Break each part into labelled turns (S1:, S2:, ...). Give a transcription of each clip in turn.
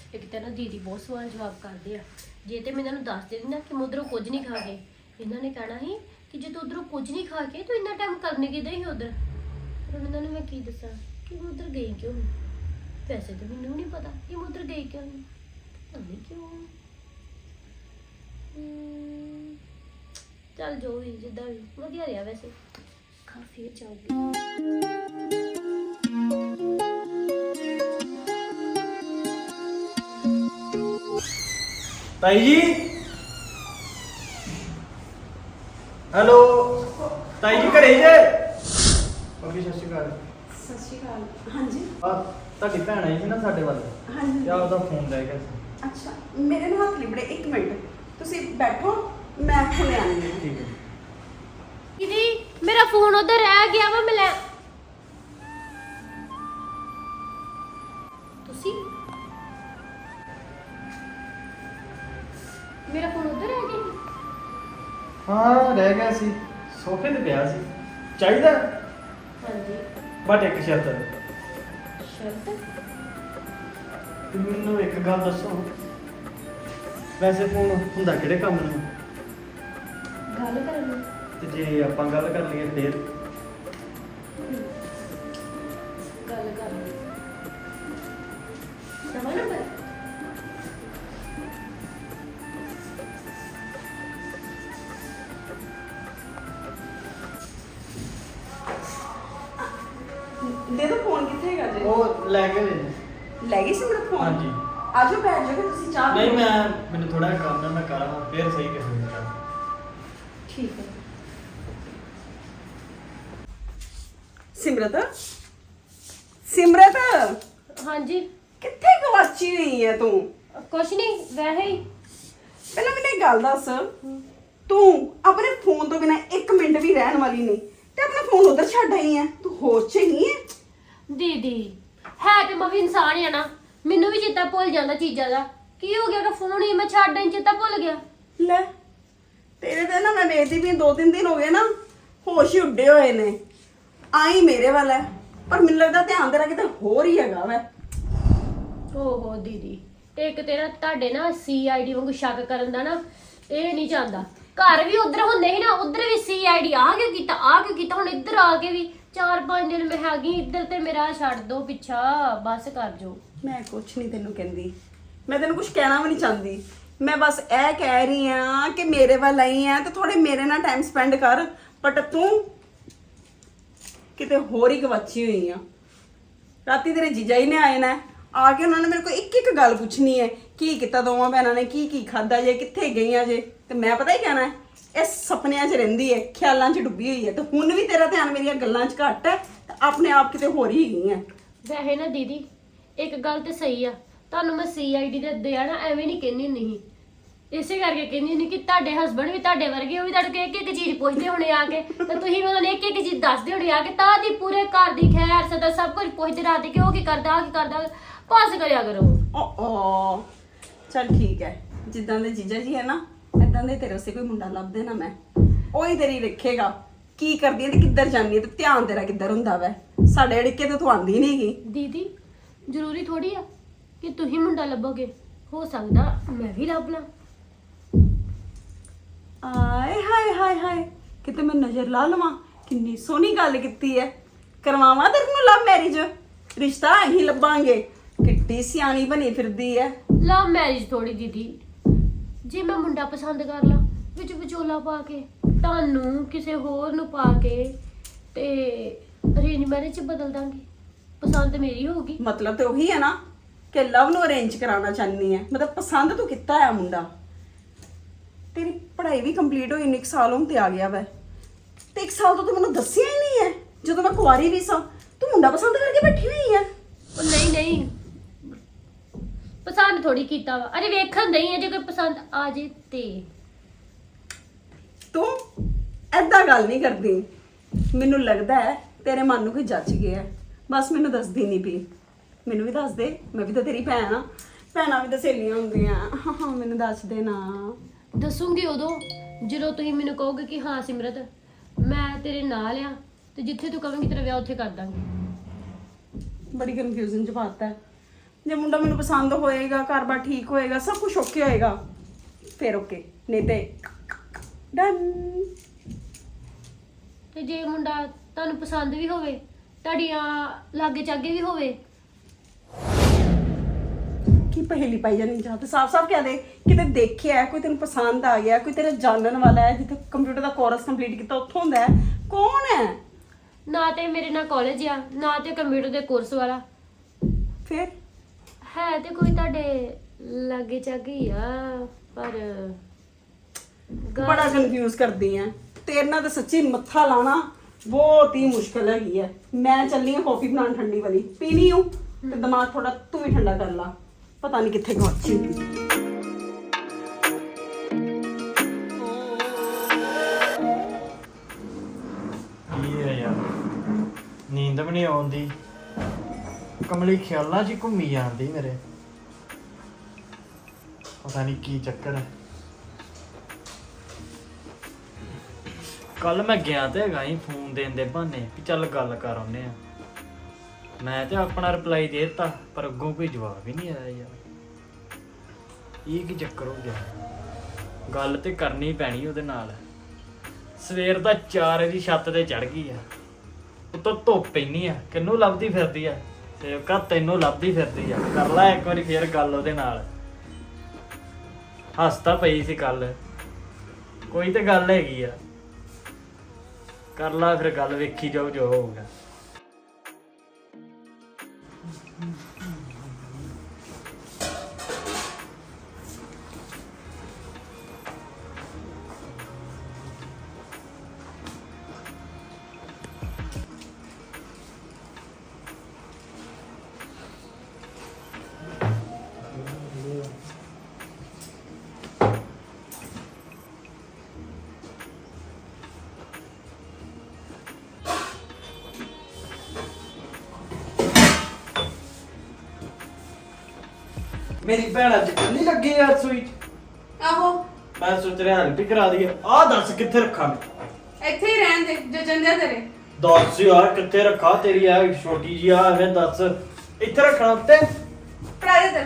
S1: ਇੱਕ ਤਾਂ ਨਾ ਦੀਦੀ ਬਹੁਤ ਸਵਾਲ ਜਵਾਬ ਕਰਦੇ ਆ। ਜੇ ਤੇ ਮੈਂ ਇਹਨਾਂ ਨੂੰ ਦੱਸ ਦੇਣੀ ਨਾ ਕਿ ਮੈਂ ਉੱਧਰੋਂ ਕੁਝ ਨਹੀਂ ਖਾ ਕੇ, ਇਹਨਾਂ ਨੇ ਕਹਿਣਾ ਸੀ ਕਿ ਜੇ ਤੂੰ ਉੱਧਰੋਂ ਕੁਝ ਨਹੀਂ ਖਾ ਕੇ ਤੂੰ ਇੰਨਾ ਟਾਈਮ ਕਰਨੇ ਕਿੱਦਾਂ ਹੀ ਉੱਧਰ। ਪਰ ਇਹਨਾਂ ਨੂੰ ਮੈਂ ਕੀ ਦੱਸਾਂ ਕਿ ਮੈਂ ਉੱਧਰ ਗਈ ਕਿਉਂ ਨਹੀਂ। ਵੈਸੇ ਤਾਂ ਮੈਨੂੰ ਨਹੀਂ ਪਤਾ ਕਿ ਮੈਂ ਉੱਧਰ ਗਈ ਕਿਉਂ ਨਹੀਂ, ਪਤਾ ਨਹੀਂ ਕਿਉਂ। ਚੱਲ ਜੋ ਵੀ ਜਿੱਦਾਂ ਵੀ ਵਧੀਆ ਰਿਹਾ ਵੈਸੇ। ਕਾਫੀ ਚਾਹੂਗੀ
S2: ਤਾਈ ਜੀ। ਹੈਲੋ ਤਾਈ ਜੀ ਘਰੇ ਜੇ? ਭਾਬੀ ਸਤਿ ਸ਼੍ਰੀ ਅਕਾਲ।
S3: ਸਤਿ ਸ਼੍ਰੀ ਅਕਾਲ। ਹਾਂਜੀ
S2: ਆ ਤੁਹਾਡੀ ਭੈਣ ਆਈ ਸੀ ਨਾ ਸਾਡੇ ਵੱਲ,
S3: ਹਾਂਜੀ
S2: ਕਿਆ ਉਹਦਾ ਫੋਨ ਲੈ ਗਿਆ ਸੀ।
S3: ਅੱਛਾ ਮੇਰੇ ਨੂੰ ਹੱਥ ਲਿਬੜੇ 1 ਮਿੰਟ ਤੁਸੀਂ ਬੈਠੋ ਮੈਂ ਹੁਣੇ ਆਉਂਦੀ ਹਾਂ।
S2: ਠੀਕ ਹੈ।
S1: ਦੀਦੀ ਮੇਰਾ ਫੋਨ ਉਧਰ ਰਹਿ ਗਿਆ ਵਾ, ਮੈਂ ਲੈ ਤੁਸੀਂ ਮੇਰਾ ਫੋਨ ਉਧਰ ਰਹਿ ਗਿਆ।
S2: ਹਾਂ ਰਹਿ ਗਿਆ ਸੀ, ਸੋਫੇ ਤੇ ਪਿਆ ਸੀ। ਚਾਹੀਦਾ
S1: ਹਾਂਜੀ
S2: ਬਟ ਇੱਕ ਸ਼ਰਤ।
S1: ਸ਼ਰਤ?
S2: ਤੇ ਮੈਨੂੰ ਇੱਕ ਗੱਲ ਦੱਸੋ, ਵੈਸੇ ਫੋਨ ਹੁੰਦਾ ਕਿਹੜੇ ਕੰਮ ਨੂੰ?
S1: ਗੱਲ ਕਰਨੀ।
S2: ਤੇ ਜੇ ਆਪਾਂ ਗੱਲ ਕਰ ਲਈਏ ਫੇਰ?
S1: ਗੱਲ ਕਰਨੀ। ਨਵਾਂ ਨੰਬਰ?
S3: ਦੇ ਦੋ ਫੋਨ ਕਿੱਥੇ ਹੈਗਾ ਜੀ?
S2: ਉਹ ਲੈ ਕੇ ਦੇ।
S3: ਲੈ ਗਈ ਸੀ ਮੇਰਾ ਫੋਨ?
S2: ਹਾਂਜੀ।
S3: ਆਜੋ ਬੈਠ ਜਾਓ ਤੁਸੀਂ ਚਾਹ
S2: ਨਹੀਂ
S3: ਪੀਓ।
S2: ਮੈਨੂੰ ਥੋੜਾ ਜਿਹਾ ਕੰਮ ਹੈ, ਮੈਂ ਕਰਾਂ ਫੇਰ ਸਹੀ ਕਿਸੇ ਦਿਨ ਕਰਾਂ।
S3: ਠੀਕ ਹੈ। ਸਿਮਰਤ ਸਿਮਰਤ
S1: ਹਾਂਜੀ
S3: ਕਿੱਥੇ ਗਵਾਚੀ ਹੋਈ ਹੈ ਤੂੰ?
S1: ਕੁਛ ਨਹੀਂ, ਵੈਸੇ ਹੀ।
S3: ਪਹਿਲਾਂ ਮੈਨੂੰ ਇੱਕ ਗੱਲ ਦੱਸ, ਤੂੰ ਆਪਣੇ ਫੋਨ ਤੋਂ ਬਿਨਾ 1 ਮਿੰਟ ਵੀ ਰਹਿਣ ਵਾਲੀ ਨਹੀਂ ਤੇ ਆਪਣਾ ਫੋਨ ਉਧਰ ਛੱਡ ਆਈ ਹੈ। ਤੂੰ ਹੋਸ਼ 'ਚ ਹੀ ਹੈ?
S1: ਦੀਦੀ ਹੈ ਤੇ ਮੈਂ ਵੀ ਇਨਸਾਨ ਹੀ ਆ ਨਾ, ਮੈਨੂੰ ਵੀ ਚੇਤਾ ਭੁੱਲ ਜਾਂਦਾ ਚੀਜ਼ਾਂ ਦਾ। ਕੀ ਹੋ ਗਿਆ ਕਿ ਫੋਨ ਹੀ ਮੈਂ ਛੱਡ ਆਈ, ਚੇਤਾ ਭੁੱਲ ਗਿਆ।
S3: ਲੈ ਤੇਰੇ ਤੇ ਨਾ ਮੈਂ ਵੇਖਦੀ ਵੀ 2-3 ਦਿਨ ਹੋ ਗਏ ਨਾ, ਹੋਸ਼ ਹੀ ਉੱਡੇ ਹੋਏ ਨੇ। ਆਈ ਮੇਰੇ ਵੱਲ ਹੈ ਪਰ ਮੈਨੂੰ ਲੱਗਦਾ ਧਿਆਨ ਤੇਰਾ ਕਿਤੇ ਹੋਰ ਹੀ ਹੈਗਾ ਵੈ।
S1: ਓਹੋ ਦੀਦੀ, ਇੱਕ ਤੇ ਨਾ ਤੁਹਾਡੇ ਨਾ CID ਵਾਂਗੂ ਸ਼ੱਕ ਕਰਨ ਦਾ ਨਾ ਇਹ ਨਹੀਂ ਚਾਹੁੰਦਾ। ਘਰ ਵੀ ਉਧਰ ਹੁੰਦੇ ਸੀ ਨਾ, ਉਧਰ ਵੀ CID ਆ ਕੇ ਕੀਤਾ, ਆ ਕੇ ਕੀਤਾ, ਹੁਣ ਇੱਧਰ ਆ ਕੇ ਵੀ 4-5 ਦਿਨ ਮੈਂ ਹੈਗੀ ਇੱਧਰ ਤੇ ਮੇਰਾ ਛੱਡ ਦੋ ਪਿੱਛਾ, ਬਸ ਕਰ ਜੋ।
S3: ਮੈਂ ਕੁਛ ਨਹੀਂ ਤੈਨੂੰ ਕਹਿੰਦੀ, ਮੈਂ ਤੈਨੂੰ ਕੁਛ ਕਹਿਣਾ ਵੀ ਨਹੀਂ ਚਾਹੁੰਦੀ। ਮੈਂ ਬਸ ਇਹ ਕਹਿ ਰਹੀ ਆ ਕਿ ਮੇਰੇ ਵੱਲ ਆਈ ਆ ਤੇ ਥੋੜੇ ਮੇਰੇ ਨਾਲ ਟਾਈਮ ਸਪੈਂਡ ਕਰ। ਬਟ ਤੂੰ ਕਿਤੇ ਹੋਰ ਹੀ ਗਵਾਚੀ ਹੋਈ ਆ। ਰਾਤੀ ਤੇਰੇ ਜੀਜਾ ਜੀ ਨੇ ਆਏ ਨਾ, ਆ ਕੇ ਉਹਨਾਂ ਨੇ ਮੇਰੇ ਕੋਲ ਇੱਕ ਗੱਲ ਪੁੱਛਣੀ ਹੈ, ਕੀ ਕੀਤਾ ਦੋਵਾਂ ਭੈਣਾਂ ਨੇ, ਕੀ ਖਾਦਾ ਜੇ, ਕਿੱਥੇ ਗਈਆਂ ਜੇ। ਤੇ ਮੈਂ ਪਤਾ ਹੀ ਕਹਿਣਾ ਇਹ ਸੁਪਨਿਆਂ 'ਚ ਰਹਿੰਦੀ ਹੈ, ਖਿਆਲਾਂ 'ਚ ਡੁੱਬੀ ਹੋਈ ਹੈ। ਤੇ ਹੁਣ ਵੀ ਤੇਰਾ ਧਿਆਨ ਮੇਰੀਆਂ ਗੱਲਾਂ 'ਚ ਘੱਟ ਹੈ ਤੇ ਆਪਣੇ ਆਪ ਕਿਤੇ ਹੋਰ ਹੀ ਗਈ ਹੈ।
S1: ਵੈਸੇ ਨਾ ਦੀਦੀ ਇੱਕ ਗੱਲ ਤੇ ਸਹੀ ਆ, ਤੁਹਾਨੂੰ ਮੈਂ CID ਦੇ ਦਿਆ ਨਾ ਐਵੇਂ ਨਹੀਂ ਕਹਿੰਦੀ ਹੁੰਦੀ ਸੀ। ਇਸੇ ਕਰਕੇ ਕਹਿੰਦੀ ਹੁੰਦੀ ਕਿ ਤੁਹਾਡੇ ਹਸਬੰਡ ਵੀ ਤੁਹਾਡੇ ਵਰਗੇ, ਉਹ ਵੀ ਤੁਹਾਡੇ ਕੋਲ ਇੱਕ ਚੀਜ਼ ਪੁੱਛਦੇ ਹੋਣੇ ਆ ਕੇ, ਤੇ ਤੁਸੀਂ ਉਹਨਾਂ ਨੇ ਇੱਕ ਚੀਜ਼ ਦੱਸਦੇ ਹੋਣੇ ਆ ਕੇ, ਤਾਂ ਦੀ ਪੂਰੇ ਘਰ ਦੀ ਖੈਰ ਸਦਾ ਸਭ ਕੁਝ ਪੁੱਛਦੇ ਰਹਦੇ ਕਿ ਉਹ ਕੀ ਕਰਦਾ, ਆ ਕੀ ਕਰਦਾ। ਪਾਸ ਕਰਿਆ ਕਰੋ।
S3: ਓ ਚੱਲ ਠੀਕ ਹੈ, ਜਿੱਦਾਂ ਦੇ ਜੀਜਾ ਜੀ ਹੈ ਨਾ, ਇਦਾਂ ਦੇ ਤੇਰੇ ਉਸੇ ਕੋਈ ਮੁੰਡਾ ਲੱਭ ਦੇਣਾ ਮੈਂ, ਉਹੀ ਤੇਰੀ ਰੱਖੇਗਾ ਕੀ ਕਰਦੀ ਹੈ ਤੇ ਕਿੱਧਰ ਜਾਂਦੀ ਹੈ ਤੇ ਧਿਆਨ ਤੇਰਾ ਕਿੱਧਰ ਹੁੰਦਾ ਵੈ। ਸਾਡੇ ਅੜਿੱਕੇ ਤੇ ਤੂੰ ਆਂਦੀ ਨਹੀਂ ਗਈ।
S1: ਦੀਦੀ ਜ਼ਰੂਰੀ ਥੋੜੀ ਆ ਕਿ ਤੁਸੀਂ ਮੁੰਡਾ ਲੱਭੋਗੇ, ਹੋ ਸਕਦਾ ਮੈਂ ਵੀ ਲੱਭ ਲਾਂ।
S3: ਆਏ ਹਾਏ ਹਾਏ ਹਾਏ, ਕਿਤੇ ਮੈਂ ਨਜ਼ਰ ਲਾ ਲਵਾਂ। ਕਿੰਨੀ ਸੋਹਣੀ ਗੱਲ ਕੀਤੀ ਹੈ, ਕਰਵਾਵਾਂ ਤੇਰੇ ਨੂੰ ਲਵ ਮੈਰਿਜ, ਰਿਸ਼ਤਾ ਅਸੀਂ ਲੱਭਾਂਗੇ। ਕਿੱਡੀ ਸਿਆਣੀ ਬਣੀ ਫਿਰਦੀ ਹੈ।
S1: ਲਵ ਮੈਰਿਜ ਥੋੜੀ ਦੀਦੀ, ਜੇ ਮੈਂ ਮੁੰਡਾ ਪਸੰਦ ਕਰ ਲਾਂ ਵਿੱਚ ਵਿਚੋਲਾ ਪਾ ਕੇ, ਤੁਹਾਨੂੰ ਕਿਸੇ ਹੋਰ ਨੂੰ ਪਾ ਕੇ, ਤੇ ਅਰੇਂਜ ਮੈਰਿਜ ਚ ਬਦਲ ਦਾਂਗੇ। ਪਸੰਦ ਮੇਰੀ ਹੋਊਗੀ।
S3: ਮਤਲਬ ਤੇ ਉਹੀ ਹੈ ਨਾ ਕਿ ਲਵ ਨੂੰ ਅਰੇਂਜ ਕਰਾਉਣਾ ਚਾਹਨੀ ਹੈ। ਮਤਲਬ ਪਸੰਦ ਤੂੰ ਕੀਤਾ ਹੈ ਮੁੰਡਾ। ਤੇਰੀ ਪੜ੍ਹਾਈ ਵੀ ਕੰਪਲੀਟ ਹੋਈ, 1 ਸਾਲ ਹੁਣ ਤੇ ਆ ਗਿਆ ਵੈ, ਤੇ 1 ਸਾਲ ਤੋਂ ਤੂੰ ਮੈਨੂੰ ਦੱਸਿਆ ਹੀ ਨਹੀਂ ਹੈ। ਜਦੋਂ ਮੈਂ ਕੁਆਰੀ ਵੀ ਸਾਂ ਤੂੰ ਮੁੰਡਾ ਪਸੰਦ ਕਰਕੇ ਬੈਠੀ ਹੋਈ ਹੈ।
S1: ਉਹ ਨਹੀਂ ਪਸੰਦ ਥੋੜੀ ਕੀਤਾ ਵਾ, ਅਰੇ ਵੇਖਣ ਨਹੀਂ ਹੈ, ਜੇ ਕੋਈ ਪਸੰਦ ਆ ਜੇ ਤੇ।
S3: ਤੂੰ ਐਦਾਂ ਗੱਲ ਨਹੀਂ ਕਰਦੀ। ਮੈਨੂੰ ਲੱਗਦਾ ਹੈ ਤੇਰੇ ਮਨ ਨੂੰ ਕੋਈ ਜੱਜ ਗਿਆ, ਬਸ ਮੈਨੂੰ ਦੱਸਦੀ ਨਹੀਂ ਪਈ। ਮੈਨੂੰ ਵੀ ਦੱਸ ਦੇ, ਮੈਂ ਵੀ ਤਾਂ ਤੇਰੀ ਭੈਣ ਆ। ਭੈਣਾਂ ਵੀ ਤਾਂ ਸਹੇਲੀਆਂ ਹੁੰਦੀਆਂ। ਮੈਨੂੰ ਦੱਸ ਦੇ ਨਾ।
S1: ਦੱਸੂਗੀ ਉਦੋਂ ਜਦੋਂ ਤੁਸੀਂ ਮੈਨੂੰ ਕਹੋਗੇ ਕਿ ਹਾਂ ਸਿਮਰਤ ਮੈਂ ਤੇਰੇ ਨਾਲ ਆ, ਤੇ ਜਿੱਥੇ ਤੂੰ ਕਹੇਂਗੀ ਤੇਰਾ ਵਿਆਹ ਉੱਥੇ ਕਰ ਦਾਂਗੇ।
S3: ਬੜੀ ਕਨਫਿਊਜ਼ਨ ਚ ਪਾਤਾ ਹੈ। ਜੇ ਮੁੰਡਾ ਮੈਨੂੰ ਪਸੰਦ ਹੋਏਗਾ, ਘਰ-ਬਾਰ ਠੀਕ ਹੋਏਗਾ, ਸਭ ਕੁਝ ਓਕੇ ਹੋਏਗਾ, ਫਿਰ ਓਕੇ, ਨਹੀਂ ਤੇ ਡਨ।
S1: ਤੇ ਜੇ ਮੁੰਡਾ ਤੁਹਾਨੂੰ ਪਸੰਦ ਵੀ ਹੋਵੇ, ਤੁਹਾਡੀਆਂ ਲਾਗੇ ਚਾਗੇ ਵੀ ਹੋਵੇ,
S3: ਕੀ ਪਹੇਲੀ ਪਾਈ ਜਾਨੀ ਜਾਂ ਤੇ ਸਾਫ਼-ਸਾਫ਼ ਕਹਿ ਦੇ ਕਿਤੇ ਦੇਖਿਆ ਕੋਈ ਤੈਨੂੰ ਪਸੰਦ ਆ ਗਿਆ, ਕੋਈ ਤੇਰਾ ਜਾਣਨ ਵਾਲਾ ਹੈ, ਜਿੱਥੇ ਕੰਪਿਊਟਰ ਦਾ ਕੋਰਸ ਕੰਪਲੀਟ ਕੀਤਾ ਉੱਥੋਂ ਹੁੰਦਾ ਹੈ, ਕੌਣ ਹੈ?
S1: ਨਾ ਤੇ ਮੇਰੇ ਨਾਲ ਕਾਲਜ ਆ, ਨਾ ਤੇ ਕੰਪਿਊਟਰ ਦੇ ਕੋਰਸ ਵਾਲਾ,
S3: ਫਿਰ
S1: ਹੈ ਤੇ ਕੋਈ ਤੁਹਾਡੇ ਲਾਗੇ ਚਾਗੇ ਹੀ ਆ, ਪਰ
S3: ਬੜਾ ਕਨਫਿਊਜ਼ ਕਰਦੀ ਆ। ਤੇਰੇ ਨਾਲ ਤਾਂ ਸੱਚੀ ਮੱਥਾ ਲਾਣਾ ਬਹੁਤ ਹੀ ਮੁਸ਼ਕਲ ਹੈਗੀ ਹੈ। ਮੈਂ ਚੱਲੀ ਆ ਕਾਫੀ ਬਣਾਉਣ ਠੰਡੀ ਵਾਲੀ, ਪੀਣੀ ਹੂੰ ਤੇ ਦਿਮਾਗ ਥੋੜਾ ਤੂੰ ਵੀ ਠੰਡਾ ਕਰ ਲਾ, ਪਤਾ ਨਹੀਂ ਕਿੱਥੇ ਗਵਾਚੀ ਹੁੰਦੀ।
S2: ਕੀ ਹੈ ਯਾਰ, ਨੀਂਦ ਵੀ ਨਹੀਂ ਆਉਂਦੀ, ਕਮਲੀ ਖਿਆਲਾਂ 'ਚ ਹੀ ਘੁੰਮੀ ਜਾਂਦੀ ਮੇਰੇ, ਪਤਾ ਨਹੀਂ ਕੀ ਚੱਕਰ ਹੈ। ਕੱਲ ਮੈਂ ਗਿਆ ਤੇ ਹੈਗਾ ਹੀ ਫੋਨ ਦੇਣ ਦੇ ਬਹਾਨੇ ਕਿ ਚੱਲ ਗੱਲ ਕਰ ਆਉਂਦੇ ਆ। ਮੈਂ ਤੇ ਆਪਣਾ ਰਿਪਲਾਈ ਦੇ ਦਿੱਤਾ, ਪਰ ਅੱਗੋਂ ਕੋਈ ਜਵਾਬ ਹੀ ਨਹੀਂ ਆਇਆ ਯਾਰ। ਇਹ ਕੀ ਚੱਕਰ ਹੋ ਗਿਆ? ਗੱਲ ਤੇ ਕਰਨੀ ਪੈਣੀ ਉਹਦੇ ਨਾਲ। ਸਵੇਰ ਦਾ 4 ਵਜੇ ਦੀ ਛੱਤ ਤੇ ਚੜ ਗਈ ਆ, ਉੱਤੋਂ ਧੁੱਪ ਪੈਣੀ ਆ, ਕਿਹਨੂੰ ਲੱਭਦੀ ਫਿਰਦੀ ਆ? ਸੇਵਕਾ ਤੈਨੂੰ ਲੱਭਦੀ ਫਿਰਦੀ ਆ। ਕਰ ਲੈ ਇੱਕ ਵਾਰੀ ਫੇਰ ਗੱਲ ਉਹਦੇ ਨਾਲ। ਹੱਸਦਾ ਪਈ ਸੀ ਕੱਲ, ਕੋਈ ਤੇ ਗੱਲ ਹੈਗੀ ਆ। ਕਰ ਲਾ ਫਿਰ ਗੱਲ, ਵੇਖੀ ਜਾਓ ਜੋ ਹੋਊਗਾ। ਮੇਰੀ ਭੈਣ ਅੱਜ ਨਹੀਂ ਲੱਗੀ ਯਾਰ ਸੂਈ 'ਚ।
S3: ਆਹੋ
S2: ਮੈਂ ਸੋਚ ਰਿਹਾ ਹੈਲਪ ਹੀ ਕਰਾ ਦਈਏ। ਆਹ ਦੱਸ ਕਿੱਥੇ ਰੱਖਾਂ?
S3: ਇੱਥੇ ਹੀ ਰਹਿਣ ਦੇ ਜੋ ਜੰਦਿਆ ਤੇਰੇ।
S2: ਦੱਸ ਯਾਰ ਕਿੱਥੇ ਰੱਖਾਂ? ਤੇਰੀ ਆ ਛੋਟੀ ਜੀ ਆ, ਐਵੇਂ ਦੱਸ। ਇੱਥੇ ਰੱਖਣਾ ਉੱਤੇ?
S3: ਪੜਾ ਦੇ ਤੇ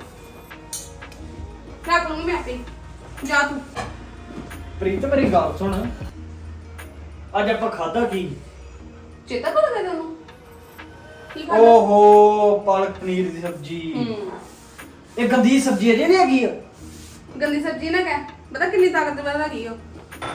S3: ਰੱਖ ਲੂੰਗੀ ਮੈਂ ਆਪੇ, ਜਾ ਤੂੰ।
S2: ਪ੍ਰੀਤ ਮੇਰੀ ਗੱਲ ਸੁਣ, ਅੱਜ ਆਪਾਂ ਖਾਦਾ ਕੀ?
S3: ਚੇਤਾ ਕਰ ਦੇ ਤੈਨੂੰ ਕੀ ਖਾਦਾ?
S2: ਓਹੋ ਪਾਲਕ ਪਨੀਰ ਦੀ ਸਬਜ਼ੀ। ਇਹ ਗੰਦੀ ਸਬਜ਼ੀ ਅਜੇ ਨਹੀਂ ਹੈਗੀ ਆ?
S3: ਗੰਦੀ ਸਬਜ਼ੀ ਨਾ ਕਹਿ, ਪਤਾ ਕਿੰਨੀ ਤਾਕਤਵਰ ਹੈਗੀ ਉਹ।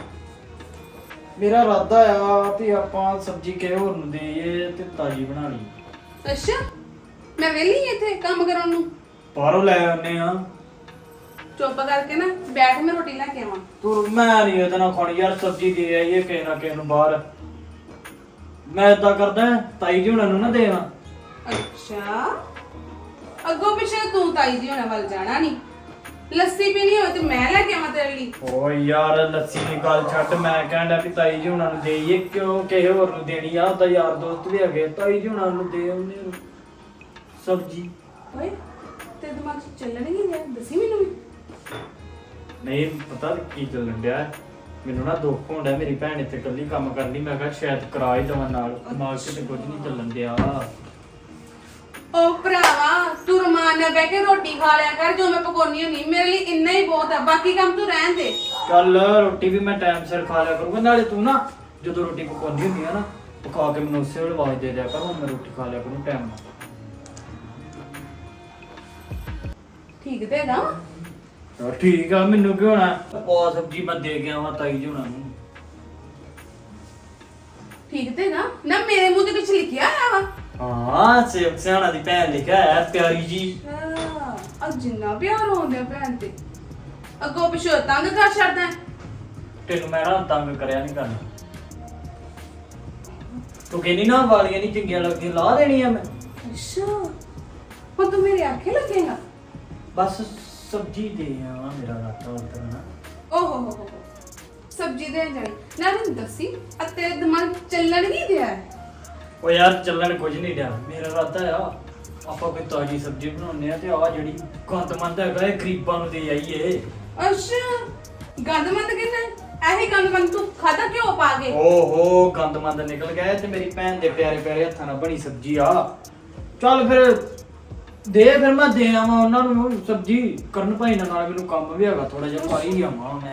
S2: ਮੇਰਾ ਇਰਾਦਾ ਆ ਵੀ ਆਪਾਂ ਸਬਜ਼ੀ ਕਿਸੇ ਹੋਰ ਨੂੰ ਦੇਈਏ ਤੇ ਤਾਜੀ ਬਣਾ ਲਈ।
S3: ਅੱਛਾ ਮੈਂ ਵਿਹਲੀ ਇੱਥੇ ਕੰਮ ਕਰਨ ਨੂੰ।
S2: ਬਾਹਰੋਂ ਲੈ ਆਉਨੇ ਆ।
S3: ਚੁੱਪ ਕਰਕੇ ਨਾ ਬੈਠ, ਮੈਂ ਰੋਟੀ ਲੈ ਕੇ ਆਵਾਂ।
S2: ਤੂੰ ਮੈਂ ਨਹੀਂ ਉਹਦੇ ਨਾਲ ਖਾਣੀ ਯਾਰ, ਸਬਜ਼ੀ ਦੇ ਆਈਏ ਕਿਸੇ ਨਾ ਕਿਸੇ ਨੂੰ ਬਾਹਰ। ਮੈਂ ਏਦਾਂ ਕਰਦਾ ਤਾਈ ਜੀ ਹੁਣਾਂ ਨੂੰ ਨਾ ਦੇਵਾਂ।
S3: ਅੱਛਾ ਅੱਗੋਂ ਪਿੱਛੇ ਤੂੰ ਤਾਈ ਜੀ ਹੋਣਾ ਵੱਲ ਜਾਣਾ ਨਹੀਂ। ਲੱਸੀ ਪੀਣੀ ਹੋਵੇ ਤੇ ਮੈਂ ਲੈ ਕੇ ਆਵਾਂ ਤੇਰੇ ਲਈ।
S2: ਓ ਯਾਰ ਲੱਸੀ ਦੀ ਗੱਲ ਛੱਡ, ਮੈਂ ਕਹਿੰਦਾ ਵੀ ਤਾਈ ਜੀ ਹੁਣਾਂ ਨੂੰ ਦੇਈਏ, ਕਿਉਂ ਕਿਸੇ ਹੋਰ ਨੂੰ ਦੇਣੀ ਆ? ਉਹਦਾ ਯਾਰ ਦੋਸਤ ਵੀ ਹੈਗੇ, ਤਾਈ ਜੀ ਹੁਣਾਂ ਨੂੰ ਦੇ ਆਉਂਦੇ ਸਬਜ਼ੀ।
S3: ਓਏ ਤੇ ਦਿਮਾਗ 'ਚ ਚੱਲਣ ਹੀ ਨਹੀਂ ਰਿਹਾ, ਦੱਸੀ ਮੈਨੂੰ ਵੀ।
S2: ਨਹੀਂ ਪਤਾ ਕੀ ਚੱਲਣ ਡਿਆ, ਮੈਨੂੰ ਨਾ ਦੁੱਖ ਹੁੰਦਾ ਮੇਰੀ ਭੈਣ ਇੱਥੇ ਇਕੱਲੀ ਕੰਮ ਕਰਨੀ। ਮੈਂ ਕਿਹਾ ਸ਼ਾਇਦ ਕਰਾ ਹੀ ਦਵਾਂ ਨਾਲ, ਦਿਮਾਗ 'ਚ ਤੇ ਕੁਝ ਨਹੀਂ ਚੱਲਣ ਡਿਆ।
S3: ਓ ਭਰਾਵਾ ਤੂੰ ਰਮਾਨ ਨਾਲ ਬਹਿ ਕੇ ਰੋਟੀ ਖਾ ਲਿਆ ਕਰ, ਜੋ ਮੈਂ ਪਕਾਉਣੀ ਹੁੰਦੀ ਮੇਰੇ ਲਈ ਇੰਨਾ ਹੀ ਬਹੁਤ ਆ, ਬਾਕੀ ਕੰਮ ਤੂੰ ਰਹਿਣ ਦੇ।
S2: ਚੱਲ ਰੋਟੀ ਵੀ ਮੈਂ ਟਾਈਮ ਸਿਰ ਖਾ ਲਿਆ ਕਰੂੰਗਾ, ਨਾਲੇ ਤੂੰ ਨਾ ਜਦੋਂ ਰੋਟੀ ਪਕਾਉਂਦੀ ਹੁੰਦੀ ਆ ਨਾ, ਪਕਾ ਕੇ ਮੈਨੂੰ ਉਸੇ ਵੇਲੇ ਆਵਾਜ਼ ਦੇ ਦਿਆ ਕਰ, ਹੁਣ ਮੈਂ ਰੋਟੀ ਖਾ ਲਿਆ ਕਰੂੰ ਟਾਈਮ ਨਾਲ।
S3: ਠੀਕ ਤੇ ਹੈਗਾ।
S2: ਚਲ ਠੀਕ ਆ, ਮੈਨੂੰ ਕੀ ਹੋਣਾ? ਪਾ ਸਬਜ਼ੀ ਮੈਂ ਦੇ ਗਿਆ ਵਾ ਤਾਈ ਜੀ ਹੁਣਾਂ ਨੂੰ।
S3: ਠੀਕ ਤੇ ਹੈਗਾ ਨਾ, ਮੇਰੇ ਮੂੰਹ ਤੇ ਕੁਝ ਲਿਖਿਆ ਆ ਵਾ।
S2: ਹਾਂ ਸੇਵਕ ਸਿਆਣਾ ਦੀ ਭੈਣ ਲਿਖਿਆ ਹੈ, ਪਿਆਰੀ ਜੀ।
S3: ਆ ਜਿੰਨਾ ਪਿਆਰ ਹੋਉਂਦਾ ਭੈਣ ਤੇ, ਅੱਗੋਂ ਪਿਛੋ ਤੰਗ ਕਰ ਛੱਡਦਾ।
S2: ਤੈਨੂੰ ਮੈਂ ਨਾ ਤੰਗ ਕਰਿਆ ਨਹੀਂ ਕਰਨਾ। ਤੂੰ ਕਹਿੰਦੀ ਨਾ ਵਾਲੀਆਂ ਨਹੀਂ ਚੰਗੀਆਂ ਲੱਗਦੀਆਂ, ਲਾ ਦੇਣੀਆਂ ਮੈਂ।
S3: ਅੱਛਾ ਹੁਣ ਤੂੰ ਮੇਰੇ ਆਖੇ ਲੱਗੇਗਾ।
S2: ਬਸ ਸਬਜ਼ੀ ਦੇ ਆ, ਮੇਰਾ ਰਾਤਾ ਉਧਰ ਨਾ।
S3: ਓਹ ਹੋ ਸਬਜ਼ੀ ਦੇ ਜਾਣੀ ਨਾ, ਮੈਨੂੰ ਦੱਸੀ ਆ ਤੇਰੇ ਦਿਮਾਗ ਚੱਲਣ ਨਹੀਂ ਦਿਆ।
S2: ਉਹ ਯਾਰ ਚੱਲਣ ਕੁਝ ਨਹੀਂ ਡਿਆ, ਮੇਰਾ ਇਰਾਦਾ ਆ ਆਪਾਂ ਕੋਈ ਤਾਜੀ ਸਬਜ਼ੀ ਬਣਾਉਂਦੇ ਆ ਤੇ ਆ ਜਿਹੜੀ ਗੰਦਮੰਦ ਹੈਗਾ ਇਹ ਗਰੀਬਾਂ ਨੂੰ ਦੇ ਆਈਏ।
S3: ਅੱਛਾ ਗੰਦਮੰਦ ਕਿੰਨਾ? ਇਹੀ ਗੰਦਮੰਦ ਤੂੰ ਖਾਦਾ ਕਿਉਂ ਪਾ ਕੇ?
S2: ਓਹੋ ਗੰਦਮੰਦ ਨਿਕਲ ਗਿਆ ਤੇ ਮੇਰੀ ਭੈਣ ਦੇ ਪਿਆਰੇ ਪਿਆਰੇ ਹੱਥਾਂ ਨਾਲ ਬਣੀ ਸਬਜ਼ੀ ਆ। ਚੱਲ ਫਿਰ ਦੇ ਫਿਰ ਮੈਂ ਦੇ ਆਵਾਂ ਉਹਨਾਂ ਨੂੰ ਸਬਜ਼ੀ ਕਰਨ ਭਾਈ ਨਾਲ ਮੈਨੂੰ ਕੰਮ ਵੀ ਹੈਗਾ ਥੋੜਾ ਜਿਹਾ ਪਾਈ ਹੀ ਆਵਾਂ ਮੈਂ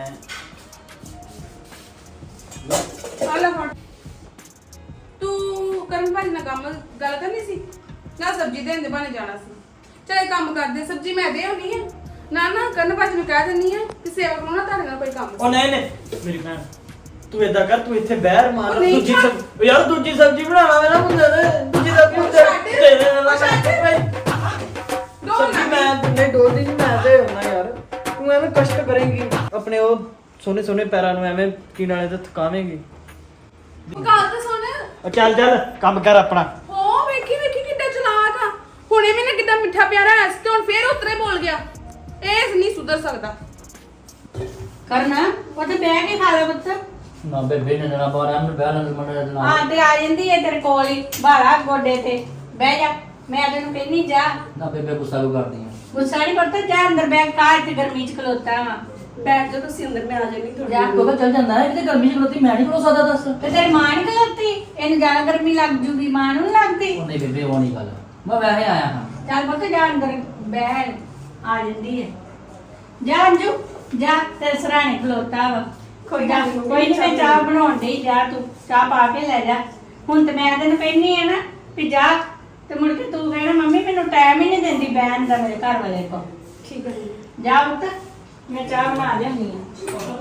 S3: ਆ ਲੈ ਫੜ। ਤੂੰ ਕਰਨ ਭਾਜੀ ਨਾਲ ਗੱਲ ਕਰਨੀ ਸੀ ਨਾ, ਸਬਜ਼ੀ ਦੇਣ ਦੇ ਬਹਾਨੇ ਜਾਣਾ ਸੀ। ਚਲ ਇਹ ਕੰਮ ਕਰਦੇ, ਸਬਜ਼ੀ ਮੈਂ ਦੇ ਆਉਣੀ ਹੈ ਨਾ। ਕਰਨ ਭਾਜੀ ਨੂੰ ਕਹਿ ਦਿੰਨੀ ਆ ਕਿ ਸੇਵਕ ਨੂੰ ਨਾ ਤੁਹਾਡੇ ਨਾਲ ਕੋਈ ਕੰਮ
S2: ਉਹ ਨਹੀਂ ਮੇਰੀ ਭੈਣ ਤੂੰ ਏਦਾਂ ਕਰ ਤੂੰ ਇੱਥੇ ਬਹਿਰ ਮਾਰ
S3: ਉਹ ਨਹੀਂ
S2: ਦੂਜੀ
S3: ਛੱਡ।
S2: ਸਬਜ਼ੀ ਯਾਰ ਦੂਜੀ ਸਬਜ਼ੀ ਬਣਾਣਾ ਮੇਰਾ ਮੁੰਡੇ ਨੇ ਦੂਜੀ ਸਬਜ਼ੀ
S3: ਉਹ ਛੱਡ।
S2: ਦੇ ਦੇ ਨਾ
S3: ਉਹ ਛੱਡ।
S2: ਸਬਜ਼ੀ ਮੈਂ ਨਹੀਂ ਡੋਲਦੀ ਨਹੀਂ ਮੈਂ ਤੇ ਹੁੰਨਾ ਯਾਰ ਤੂੰ ਐਵੇਂ ਕਸ਼ਟ ਕਰੇਂਗੀ ਆਪਣੇ ਉਹ ਸੋਨੇ ਸੋਨੇ ਪੈਰਾਂ ਨੂੰ ਐਵੇਂ ਕੀ ਨਾਲੇ ਤੇ ਥਕਾਵੇਂਗੀ
S3: ਗੱਲ ਤਾਂ ਸੁਣ।
S2: ਉਹ ਚੱਲ ਚੱਲ ਕੰਮ ਕਰ ਆਪਣਾ
S3: ਹੋ ਵੇਖੀ ਕਿੱਦਾਂ ਚਲਾਕ ਆ। ਹੁਣੇ ਮੈਨੇ ਕਿੱਦਾਂ ਮਿੱਠਾ ਪਿਆਰਾ ਐਸ ਤੇ ਹੁਣ ਫੇਰ ਉਤਰੇ ਬੋਲ ਗਿਆ। ਇਹ ਨਹੀਂ ਸੁਧਰ ਸਕਦਾ।
S4: ਕਰਨਾ ਉਹ ਤੇ ਬਹਿ ਕੇ ਖਾ ਲੈ ਪੁੱਤ।
S2: ਨਾ ਬੇਬੇ ਨੇ ਜਣਾ ਬਾਹਰ ਆਮ ਬਹਿ ਲੈਣ ਮੰਡੇ ਦੇ
S4: ਆ ਤੇ ਆ ਜਾਂਦੀ ਏ ਤੇਰੇ ਕੋਲ ਹੀ ਬਾਲਾ ਗੋਡੇ ਤੇ ਬਹਿ ਜਾ। ਮੈਂ ਤੈਨੂੰ ਕਹਿੰਨੀ ਜਾ।
S2: ਨਾ ਬੇਬੇ ਗੁੱਸਾ ਕਿਉਂ ਕਰਦੀ ਆ
S4: ਗੁੱਸਾ ਨਹੀਂ ਕਰਦਾ, ਜਾ ਅੰਦਰ ਬੈਠ ਕਾਹ ਤੇ ਗਰਮੀ ਚ ਖਲੋਤਾ ਵਾ।
S3: ਬੈਠ ਜਾ ਤੁਸੀਂ ਅੰਦਰ, ਮੈਂ ਆ ਜਾਣੀ ਥੋੜੀ
S4: ਜਾ
S2: ਕੋਕਾ ਚੱਲ ਜਾਂਦਾ ਹੈ ਕਿਤੇ ਗਰਮੀ ਚ ਖਲੋਤੀ ਮੈਂ ਨਹੀਂ ਖਲੋ ਸਕਦਾ ਦੱਸ
S4: ਤੇ ਤੇਰੀ ਮਾਂ ਨੀ ਖਲੋਤੀ, ਇਹਨੂੰ ਜ਼ਿਆਦਾ ਗਰਮੀ ਲੱਗ ਜੂਗੀ, ਮਾਂ ਨੂੰ ਨੀ ਲੱਗਦੀ।
S2: ਉਹ ਨਹੀਂ ਬੇਬੇ ਉਹ ਨਹੀਂ ਗੱਲ ਮੈਂ ਵੈਸੇ ਆਇਆ ਹਾਂ
S4: ਚੱਲ ਪੁੱਤ ਜਾ ਅੰਦਰ ਬਹਿ, ਆ ਜਾਂਦੀ ਏ। ਜਾ ਅੰਜੂ ਜਾ, ਤੇਰੇ ਸਰਾਣੇ ਖਲੋਤਾ ਵਾ।
S3: ਕੋਈ
S4: ਜਾ,
S3: ਗੱਲ ਨੀ,
S4: ਕੋਈ ਨਹੀਂ, ਮੈਂ ਚਾਹ ਬਣਾਉਣ ਡਈ, ਜਾ ਤੂੰ ਚਾਹ ਪਾ ਕੇ ਲੈ ਜਾ। ਹੁਣ ਤੇ ਮੈਂ ਤੈਨੂੰ ਕਹਿੰਨੀ ਆ ਨਾ ਵੀ ਜਾ, ਤੇ ਮੁੜ ਕੇ ਤੂੰ ਕਹਿਣਾ ਮੰਮੀ ਮੈਨੂੰ ਟਾਈਮ ਹੀ ਨਹੀਂ ਦਿੰਦੀ ਬਹਿਣ ਦਾ ਮੇਰੇ ਘਰ ਵਾਲੇ ਕੋਲ।
S3: ਠੀਕ ਹੈ ਜੀ।
S4: ਜਾ ਪੁੱਤ, ਮੈਂ ਚਾਹ ਬਣਾ ਲਿਆਉਂਦੀ ਆ।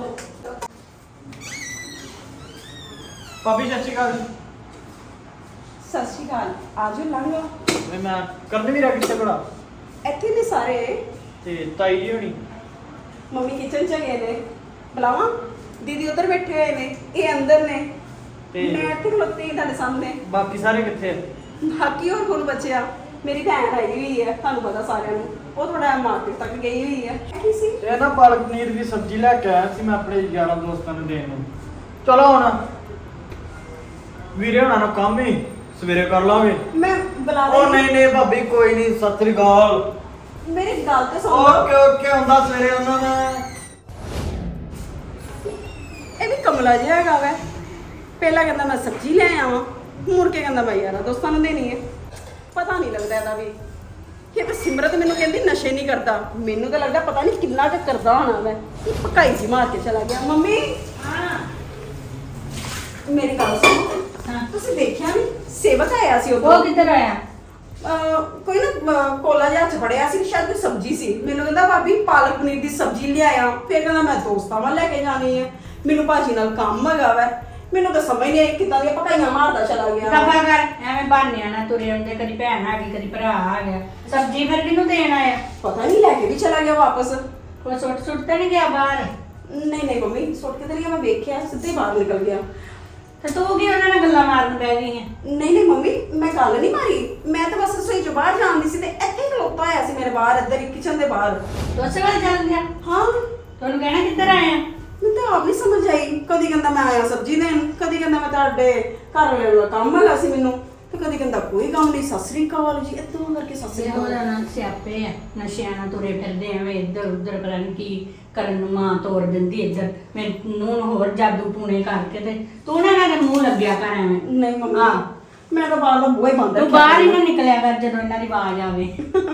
S2: ਭਾਬੀ ਸਤਿ ਸ਼੍ਰੀ ਅਕਾਲ
S3: ਸਤਿ ਸ਼੍ਰੀ ਅਕਾਲ। ਆਜੋ ਲੰਘੋ।
S2: ਮੈਂ ਕਰਨ ਵੀ ਰੱਖ ਕਿੱਥੇ ਬੜਾ
S3: ਇੱਥੇ ਨੇ ਸਾਰੇ।
S2: ਤੇ ਤਾਈ ਜੀ ਹੋਣੀ
S3: ਮੰਮੀ ਕਿਚਨ ਚ ਗਏ ਨੇ। ਬੁਲਾਵਾਂ? ਦੀਦੀ ਉੱਧਰ ਬੈਠੇ ਹੋਏ ਨੇ, ਇਹ ਅੰਦਰ ਨੇ
S2: ਤੇ
S3: ਮੈਂ ਇੱਥੇ ਖਲੋਤੀ ਤੁਹਾਡੇ ਸਾਹਮਣੇ।
S2: ਬਾਕੀ ਸਾਰੇ ਕਿੱਥੇ ਆ?
S3: ਬਾਕੀ ਹੋਰ ਕੋਣ ਬਚਿਆ? ਮੇਰੀ ਭੈਣ ਆਈ ਹੋਈ ਹੈ, ਤੁਹਾਨੂੰ ਪਤਾ ਸਾਰਿਆਂ ਨੂੰ। ਉਹ ਥੋੜਾ ਮਾਰਕੀਟ ਤੱਕ ਗਈ ਹੋਈ ਹੈ। ਕੀ ਸੀ?
S2: ਇਹ ਨਾ ਪਾਲਕ ਪਨੀਰ ਦੀ ਸਬਜ਼ੀ ਲੈ ਕੇ ਆਇਆ ਸੀ ਮੈਂ ਆਪਣੇ ਯਾਰਾਂ ਦੋਸਤਾਂ ਨੂੰ ਦੇਣ ਨੂੰ। ਚਲੋ ਹੁਣ ਵੀਰੇ ਹੁਣਾਂ ਨੂੰ ਕੰਮ ਹੀ ਸਵੇਰੇ ਕਰ ਲਾਂਗੇ।
S3: ਮੈਂ ਬੁਲਾ
S2: ਉਹ
S3: ਰਹੀ।
S2: ਨਹੀਂ ਨਹੀਂ ਭਾਬੀ ਕੋਈ ਨਹੀਂ ਸਤਿ ਸ੍ਰੀ ਅਕਾਲ।
S3: ਮੇਰੀ ਗੱਲ ਤੇ ਸੁਣ।
S2: ਓਕੇ ਓਕੇ ਹੁੰਦਾ ਸਵੇਰੇ ਉਹਨਾਂ ਦਾ
S3: ਇਹ ਵੀ ਕਮਲਾ ਜਿਹਾ ਹੈਗਾ ਵੈ। ਪਹਿਲਾਂ ਕਹਿੰਦਾ ਮੈਂ ਸਬਜ਼ੀ ਲੈ ਆਵਾਂ, ਮੁੜ ਕੇ ਕਹਿੰਦਾ ਮੈਂ ਯਾਰਾਂ ਦੋਸਤਾਂ ਨੂੰ ਦੇਣੀ ਹੈ। ਪਤਾ ਨਹੀਂ ਲੱਗਦਾ ਇਹਦਾ ਵੀ। ਇਹ ਤਾਂ ਸਿਮਰਤ ਮੈਨੂੰ ਕਹਿੰਦੀ ਨਸ਼ੇ ਨਹੀਂ ਕਰਦਾ, ਮੈਨੂੰ ਤਾਂ ਲੱਗਦਾ ਪਤਾ ਨਹੀਂ ਕਿੰਨਾ ਕੁ ਕਰਦਾ ਹੋਣਾ ਵੈ। ਇਹ ਪਕਾਈ ਜੀ ਮਾਰ ਕੇ ਚਲਾ ਗਿਆ। ਮੰਮੀ
S4: ਹਾਂ
S3: ਮੇਰੀ ਗੱਲ ਸੁਣ।
S4: ਹਾਂ।
S3: ਤੁਸੀਂ ਦੇਖਿਆ ਨਹੀਂ ਸੇਵਕ ਆਇਆ ਸੀ
S4: ਉਹ ਕਿੱਧਰ ਆਇਆ?
S3: ਕੋਈ ਨਾ ਕੋਲਾ ਜਿਹਾ ਚ ਫੜਿਆ ਸੀ, ਸ਼ਾਇਦ ਕੋਈ ਸਬਜ਼ੀ ਸੀ। ਮੈਨੂੰ ਕਹਿੰਦਾ ਭਾਬੀ ਪਾਲਕ ਪਨੀਰ ਦੀ ਸਬਜ਼ੀ ਲਿਆਇਆ। ਫਿਰ ਕਹਿੰਦਾ ਮੈਂ ਦੋਸਤਾਂ ਵੱਲ ਲੈ ਕੇ ਜਾਣੀ ਹੈ, ਮੈਨੂੰ ਭਾਜੀ ਨਾਲ ਕੰਮ ਹੈਗਾ ਵੈ। ਮੈਨੂੰ ਤਾਂ ਸਮਝ ਨਹੀਂ ਆਈ ਕਿੱਦਾਂ ਦੀਆਂ ਪਕਾਈਆਂ ਮਾਰਦਾ ਚਲਾ ਗਿਆ।
S4: ਦਫਾ ਕਰ, ਐਵੇਂ ਬਹਾਨਿਆਂ ਨਾਲ ਤੁਰੇ ਹੁੰਦੇ, ਕਦੀ ਭੈਣ ਆ ਗਈ ਕਦੀ ਭਰਾ ਆ ਗਿਆ। ਸਬਜ਼ੀ ਫਿਰ ਕਿਹਨੂੰ ਦੇਣ ਆਇਆ?
S3: ਪਤਾ ਨਹੀਂ ਲੈ ਕੇ ਵੀ ਚਲਾ ਗਿਆ ਵਾਪਸ।
S4: ਕੋਈ ਸੁੱਟ ਤੇ ਨਹੀਂ ਗਿਆ ਬਾਹਰ?
S3: ਨਹੀਂ ਨਹੀਂ ਮੰਮੀ ਸੁੱਟ ਕੇ ਤੇ ਨਹੀਂ ਗਿਆ, ਮੈਂ ਵੇਖਿਆ ਸਿੱਧੇ ਬਾਹਰ ਨਿਕਲ ਗਿਆ।
S4: ਤੇ ਤੂੰ ਕੀ ਉਹਨਾਂ ਨਾਲ ਗੱਲਾਂ ਮਾਰਨ ਬਹਿ ਗਈ ਹੈ?
S3: ਨਹੀਂ ਨਹੀਂ ਮੰਮੀ ਮੈਂ ਗੱਲ ਨਹੀਂ ਮਾਰੀ, ਮੈਂ ਤਾਂ ਬਸ ਰਸੋਈ ਚੋਂ ਬਾਹਰ ਜਾਂਦੀ ਸੀ ਤੇ ਇੱਥੇ ਹੀ ਖਲੋਤਾ ਹੋਇਆ ਸੀ ਮੇਰੇ ਬਾਹਰ, ਇੱਧਰ ਹੀ ਕਿਚਨ ਦੇ ਬਾਹਰ।
S4: ਤੂੰ ਉਸੇ ਵੇਲੇ ਚੱਲ ਗਿਆ?
S3: ਹਾਂ
S4: ਤੁਹਾਨੂੰ ਕਹਿਣਾ ਕਿੱਧਰ ਆਇਆ?
S3: ਮੈਨੂੰ ਤਾਂ ਆਪ ਨਹੀਂ ਸਮਝ ਆਈ। ਕਦੀ ਕਹਿੰਦਾ ਮੈਂ ਆਇਆ ਸਬਜ਼ੀ ਦੇਣ, ਕਦੀ ਕਹਿੰਦਾ ਮੈਂ ਤੁਹਾਡੇ ਘਰ ਵਾਲੇ ਦਾ ਕੰਮ ਹੈਗਾ ਸੀ ਮੈਨੂੰ, ਤੇ ਕਦੀ ਕਹਿੰਦਾ ਕੋਈ ਕੰਮ ਨਹੀਂ, ਸਤਿ ਸ੍ਰੀ ਅਕਾਲ ਜੀ, ਇੱਥੋਂ ਕਰਕੇ ਸਤਿ ਸ੍ਰੀ
S4: ਉਹਦਾ
S3: ਅਕਾਲ।
S4: ਨਾਂ ਸਿਆਪੇ ਆ, ਨਸ਼ਿਆਂ ਨਾਲ ਤੁਰੇ ਫਿਰਦੇ ਐਵੇਂ ਇੱਧਰ ਉੱਧਰ, ਪਤਾ ਨੀ ਕੀ ਕਰਨ ਨੂੰ ਮਾਂ ਤੋੜ ਦਿੰਦੀ ਇੱਧਰ। ਮੈਨੂੰ ਨੂੰ ਹੋਰ ਜਾਦੂ ਟੂਣੇ ਕਰਕੇ ਤੇ ਤੂੰ ਨਾ ਇਹਨਾਂ ਦੇ ਮੂੰਹ ਲੱਗਿਆ ਕਰ ਐਵੇਂ।
S3: ਨਹੀਂ ਮੰਮੀ
S4: ਹਾਂ।
S3: ਮੈਂ ਤਾਂ ਬਾਹਰ ਦਾ ਬੂਹਾ ਹੀ ਬੰਦ
S4: ਤੂੰ
S3: ਰੱਖਿਆ
S4: ਬਾਹਰ ਹੀ
S3: ਹੋਇਆ।
S4: ਨਾ ਨਿਕਲਿਆ ਕਰ ਜਦੋਂ ਇਹਨਾਂ ਦੀ ਆਵਾਜ਼ ਆਵੇ।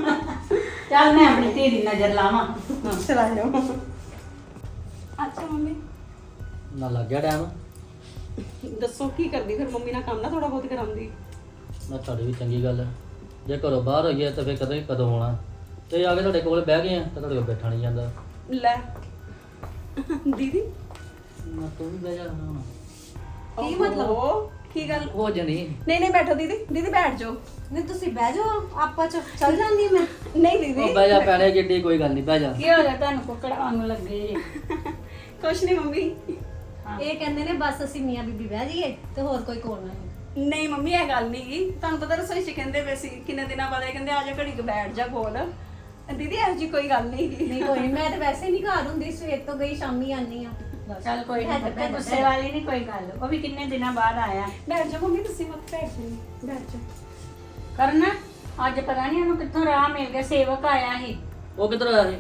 S4: ਚੱਲ ਮੈਂ ਆਪਣੀ ਧੀ ਦੀ ਨਜ਼ਰ ਲਾਵਾਂ।
S3: ਚਲਾ ਜਾਓ। ਅੱਛਾ ਮੰਮੀ
S2: ਨਾ ਲੱਗ ਗਿਆ ਟਾਈਮ।
S3: ਦੱਸੋ ਕੀ ਕਰਦੀ ਫਿਰ ਮੰਮੀ ਨਾਲ ਕੰਮ ਨਾ ਥੋੜਾ ਬਹੁਤ ਕਰਾਉਂਦੀ।
S5: ਮੈਂ ਤੁਹਾਡੀ ਵੀ ਚੰਗੀ ਗੱਲ ਹੈ। ਜੇ ਘਰੋਂ ਬਾਹਰ ਹੋਈਏ ਤਾਂ ਫਿਰ ਕਦੋਂ ਆਉਣਾ, ਤੇ ਆ ਕੇ ਤੁਹਾਡੇ ਕੋਲ ਬਹਿ ਗਏ ਆ ਤਾਂ ਤੁਹਾਡੇ ਕੋਲ ਬੈਠਾ ਨਹੀਂ ਜਾਂਦਾ।
S3: ਲੈ ਦੀਦੀ
S5: ਮੈਂ ਤੂੰ ਵੀ ਬਹਿ ਜਾ ਹੁਣ।
S3: ਕੀ ਮਤਲਬ? ਕੀ ਗੱਲ?
S5: ਹੋ ਜਣੀ
S3: ਨਹੀਂ ਨਹੀਂ ਬੈਠੋ ਦੀਦੀ, ਦੀਦੀ ਬੈਠ ਜਾਓ।
S1: ਨਹੀਂ ਤੁਸੀਂ ਬਹਿ ਜਾਓ, ਆਪਾਂ ਚੱਲ ਜਾਂਦੀ ਮੈਂ।
S3: ਨਹੀਂ ਦੀਦੀ
S5: ਉਹ ਬਹਿ ਜਾ ਪੈਣੇ ਜਿੱਡੀ ਕੋਈ ਗੱਲ ਨਹੀਂ, ਬਹਿ ਜਾ।
S4: ਕੀ ਹੋ ਗਿਆ ਤੁਹਾਨੂੰ ਕੁੱਕੜ ਵਾਂਗ ਲੱਗੇ ਜੇ?
S3: ਕੁਛ ਨਹੀਂ ਮੰਮੀ।
S1: ਇਹ ਕਹਿੰਦੇ ਨੇ ਬਸ ਅਸੀਂ ਮੀਆਂ ਬੀਬੀ ਬਹਿ ਜਾਈਏ ਤੇ ਹੋਰ ਕੋਈ ਕੋਲ ਨਾ ਹੋਵੇ।
S3: ਨਹੀਂ ਮੰਮੀ ਇਹ ਗੱਲ ਨਹੀਂ ਗੀ, ਤੁਹਾਨੂੰ ਪਤਾ ਰਸੋਈ 'ਚ ਕਹਿੰਦੇ ਪਏ ਸੀ ਕਿੰਨੇ ਦਿਨਾਂ ਬਾਅਦ ਇਹ ਕਹਿੰਦੇ ਆ ਜਾ ਘੜੀ ਕੁ ਬੈਠ ਜਾ ਕੋਲ। ਦੀਦੀ ਇਹੋ ਜਿਹੀ ਕੋਈ ਗੱਲ ਨਹੀਂ ਗੀ।
S1: ਨਹੀਂ ਕੋਈ ਨੀ, ਮੈਂ ਤਾਂ ਵੈਸੇ ਨਹੀਂ ਘਰ ਹੁੰਦੀ, ਸਵੇਰ ਤੋਂ ਗਈ ਸ਼ਾਮੀ ਆਨੀ ਆ। ਬਸ
S4: ਚੱਲ ਕੋਈ
S1: ਬਹਿ ਜਾ,
S4: ਨਹੀਂ,
S1: ਬਹਿ ਜਾ,
S4: ਗੁੱਸੇ ਵਾਲੀ ਨਹੀਂ ਕੋਈ ਗੱਲ। ਉਹ ਵੀ ਕਿੰਨੇ ਦਿਨਾਂ ਬਾਅਦ ਆਇਆ।
S3: ਬੈਠ ਜਾ ਮੰਮੀ, ਤੁਸੀਂ ਮਤ ਬੈਠ ਜਾਓ, ਬੈਠ ਜਾ।
S4: ਕਰਨ ਅੱਜ ਪਤਾ ਨਹੀਂ ਉਹਨੂੰ ਕਿੱਥੋਂ ਰਾਹ ਮਿਲ ਗਿਆ, ਸੇਵਕ ਆਇਆ ਸੀ।
S5: ਉਹ ਕਿੱਧਰ ਆਇਆ ਸੀ?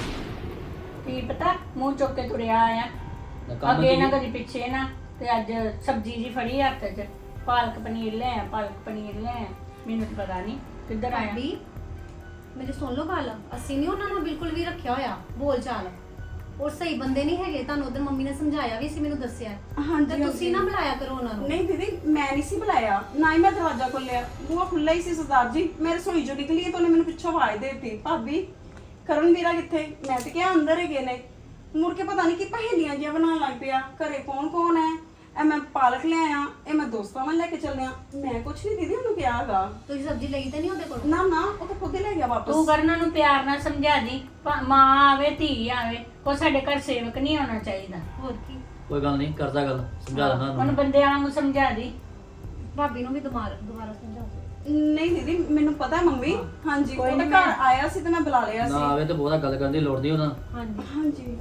S4: ਕੀ ਪਤਾ ਮੂੰਹ ਚੁੱਕ ਕੇ ਤੁਰਿਆ ਆਇਆ,
S5: ਨਾ ਕੰਮ
S4: ਅੱਗੇ ਨਾ
S5: ਕੀ?
S4: ਕਦੀ ਪਿੱਛੇ ਨਾ। ਤੇ ਅੱਜ ਸਬਜ਼ੀ ਜੀ ਫੜੀ ਹੱਥ 'ਚ, ਪਾਲਕ ਪਨੀਰ ਲੈ ਆ, ਪਾਲਕ ਪਨੀਰ ਲੈ ਆ। ਮੈਨੂੰ ਤਾਂ ਪਤਾ ਨਹੀਂ ਕਿੱਧਰ ਆਇਆ।
S1: ਭਾਬੀ
S6: ਮੇਰੀ ਸੁਣ ਲਓ ਗੱਲ, ਅਸੀਂ ਨਹੀਂ ਉਹਨਾਂ ਨੂੰ ਬਿਲਕੁਲ ਵੀ ਰੱਖਿਆ ਹੋਇਆ ਬੋਲ ਚਾਲ। ਉਹ ਸਹੀ ਬੰਦੇ ਨਹੀਂ ਹੈਗੇ, ਤੁਹਾਨੂੰ ਉਧਰ ਮੰਮੀ ਨੇ ਸਮਝਾਇਆ ਵੀ ਸੀ, ਮੈਨੂੰ ਦੱਸਿਆ।
S3: ਹਾਂਜੀ,
S6: ਤੇ ਤੁਸੀਂ ਨਾ ਬੁਲਾਇਆ ਕਰੋ ਉਹਨਾਂ ਨੂੰ।
S3: ਨਹੀਂ ਦੀਦੀ, ਮੈਂ ਨਹੀਂ ਸੀ ਬੁਲਾਇਆ, ਨਾ ਹੀ ਮੈਂ ਦਰਵਾਜ਼ਾ ਖੋਲਿਆ, ਬੂਹਾ ਖੁੱਲਾ ਹੀ ਸੀ ਸਰਦਾਰ ਜੀ। ਮੈਂ ਰਸੋਈ ਚੋਂ ਨਿਕਲੀ ਤਾਂ ਉਹਨੇ ਮੈਨੂੰ ਪਿੱਛੋਂ ਆਵਾਜ਼ ਦੇ ਦਿੱਤੀ, ਭਾਬੀ ਕਰਨ ਵੀਰਾ ਕਿੱਥੇ? ਮੈਂ ਤੇ ਕਿਹਾ ਅੰਦਰ ਹੀ ਗਏ ਨੇ। ਮੁੜ ਕੇ ਪਤਾ ਨਹੀਂ ਕਿ ਪਹੇਲੀਆਂ ਜਿਹਾ ਬਣਾਉਣ ਲੱਗ ਪਿਆ, ਘਰੇ ਕੌਣ ਕੌਣ ਹੈ, ਇਹ ਮੈਂ ਪਾਲਕ ਲਿਆਇਆ, ਇਹ ਮੈਂ ਦੋਸਤਾਂ ਵੱਲ ਲੈ ਕੇ ਚੱਲਿਆ। ਮੈਂ ਕੁਛ ਨਹੀਂ ਦੀਦੀ ਉਹਨੂੰ ਕਿਹਾ ਹੈਗਾ।
S6: ਤੁਸੀਂ ਸਬਜ਼ੀ ਲਈ ਤੇ ਨਹੀਂ ਉਹਦੇ ਕੋਲ?
S3: ਨਾ ਨਾ, ਉਹ ਤਾਂ ਖੁਦ ਹੀ ਲੈ ਗਿਆ ਵਾਪਸ।
S4: ਤੂੰ ਕਰਨਾਂ ਨੂੰ ਪਿਆਰ ਨਾਲ ਸਮਝਾ ਦੀ, ਮਾਂ ਆਵੇ ਧੀ ਆਵੇ, ਕੋਈ ਸਾਡੇ ਘਰ ਸੇਵਕ ਨਹੀਂ ਆਉਣਾ ਚਾਹੀਦਾ।
S6: ਹੋਰ ਕੀ,
S5: ਕੋਈ ਗੱਲ ਨਹੀਂ, ਕਰਦਾ ਗੱਲ, ਸਮਝਾ ਦਿੰਦਾ
S4: ਉਹਨੂੰ
S5: ਉਹਨੂੰ।
S4: ਬੰਦਿਆਂ ਵਾਂਗੂ ਸਮਝਾ ਦੀ।
S6: ਭਾਬੀ ਨੂੰ ਵੀ ਦੁਬਾਰਾ ਸਮਝਾਓ।
S3: ਨਹੀਂ ਦੀਦੀ, ਮੈਨੂੰ ਪਤਾ ਹੈ ਮੰਮੀ। ਹਾਂਜੀ, ਉਹ ਤਾਂ ਘਰ ਆਇਆ ਸੀ ਤੇ ਮੈਂ ਬੁਲਾ ਲਿਆ
S5: ਨਾ
S3: ਸੀ।
S5: ਆਵੇ ਤੇ ਬਹੁਤਾ ਗੱਲ ਕਰਨ ਦੀ ਲੋੜ ਨਹੀਂ ਉਹਨਾਂ।
S6: ਹਾਂਜੀ
S3: ਹਾਂਜੀ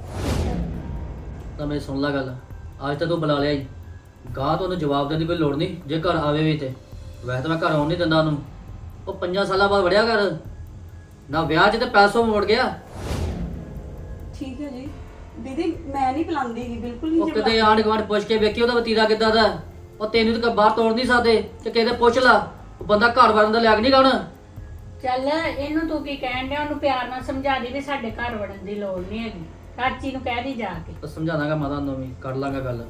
S5: ਤਾਂ ਮੇਰੀ ਸੁਣ ਲੈ ਗੱਲ, ਅੱਜ ਤਾਂ ਤੂੰ ਬੁਲਾ ਲਿਆ ਹੀ, ਗਾਹ ਤੋਂ ਉਹਨੂੰ ਜਵਾਬ ਦੇਣ ਦੀ ਕੋਈ ਲੋੜ ਨਹੀਂ। ਜੇ ਘਰ ਆਵੇ ਵੀ ਤੇ ਵੈਸੇ ਤਾਂ ਮੈਂ ਘਰ ਆਉਣ ਨਹੀਂ ਦਿੰਦਾ ਉਹਨੂੰ। ਉਹ 5 ਸਾਲਾਂ ਬਾਅਦ ਵੜਿਆ ਘਰ, ਨਾ ਵਿਆਹ 'ਚ ਤੇ ਪੈਸੋਂ ਮੁੜ ਗਿਆ।
S3: ਠੀਕ ਹੈ ਜੀ ਦੀਦੀ, ਮੈਂ ਨਹੀਂ ਬੁਲਾਉਂਦੀ ਗੀ, ਬਿਲਕੁਲ ਨਹੀਂ
S5: ਉਹ
S3: ਜੀ
S5: ਕਿਤੇ ਆਂਢ ਗੁਆਂਢ ਪੁੱਛ ਕੇ ਵੇਖੀ ਉਹਦਾ ਵਤੀਰਾ ਕਿੱਦਾਂ ਦਾ। ਉਹ ਤੈਨੂੰ ਤਾਂ ਬਾਹਰ ਤੋੜ ਨਹੀਂ ਸਕਦੇ ਤੇ ਕਿਤੇ ਪੁੱਛ ਲਾ, ਉਹ ਬੰਦਾ ਘਰ ਵੜਨ ਦਾ ਲਾਇਕ ਨਹੀਂ ਗਾਣਾ।
S4: ਚੱਲ ਇਹਨੂੰ ਤੂੰ ਕੀ ਕਹਿਣ ਡਿਆ, ਉਹਨੂੰ ਪਿਆਰ ਨਾਲ ਸਮਝਾ ਦੀ ਵੀ ਸਾਡੇ ਘਰ ਵੜਨ ਦੀ ਲੋੜ ਨਹੀਂ ਹੈਗੀ। ਚਾਚੀ ਨੂੰ ਕਹਿ ਦੀ ਜਾ ਕੇ।
S5: ਤਾਂ ਸਮਝਾਵਾਂਗਾ ਮਾਤਾ ਨੂੰ ਵੀ, ਕਰ ਲਾਂਗਾ ਗੱਲ।